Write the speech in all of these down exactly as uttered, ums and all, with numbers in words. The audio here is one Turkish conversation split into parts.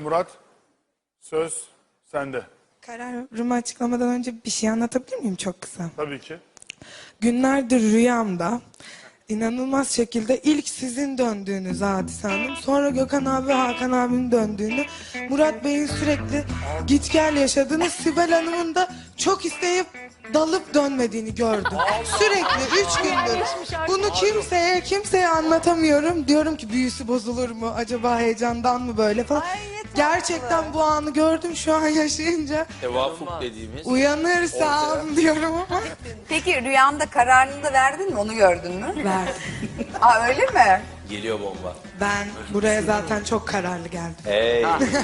Murat, söz sende. Kararımı açıklamadan önce bir şey anlatabilir miyim çok kısa? Tabii ki. Günlerdir rüyamda inanılmaz şekilde ilk sizin döndüğünüz Hadise Hanım, sonra Gökhan abi ve Hakan abinin döndüğünü, Murat Bey'in sürekli git gel yaşadığını, Sibel Hanım'ın da çok isteyip dalıp dönmediğini gördüm. Sürekli üç gündür. Bunu kimseye kimseye anlatamıyorum. Diyorum ki büyüsü bozulur mu? Acaba heyecandan mı böyle falan. Gerçekten bu anı gördüm şu an yaşayınca. Tevafuk dediğimiz. Uyanırsam diyorum ama. Peki rüyanda kararını da verdin mi? Onu gördün mü? Verdim. Aa öyle mi? Geliyor bomba. Ben buraya zaten çok kararlı geldim. Hey.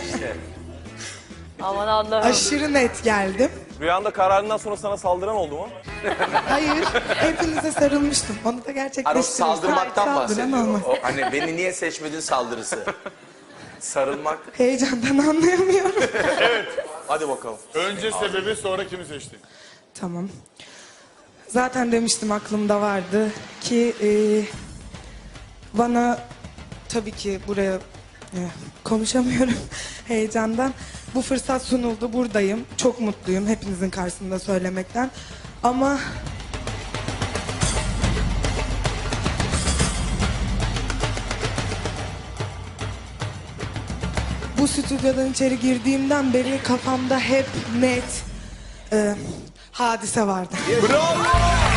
Aman Allah'ım. Aşırı net geldim. Rüyanda kararından sonra sana saldıran oldu mu? Hayır, hepinize sarılmıştım. Onu da Hani o gerçekleştirdim. saldırmaktan Saldıran bahsediyor. olmaz. O, hani beni niye seçmedin saldırısı. Sarılmak. Heyecandan anlayamıyorum. Hadi bakalım. Önce sebebi, sonra kimi seçtin? Tamam. Zaten demiştim, aklımda vardı ki e, bana tabii ki buraya e, konuşamıyorum heyecandan. Bu fırsat sunuldu, buradayım. Çok mutluyum hepinizin karşısında söylemekten. Ama bu stüdyodan içeri girdiğimden beri kafamda hep net e, Hadise vardı. Bravo!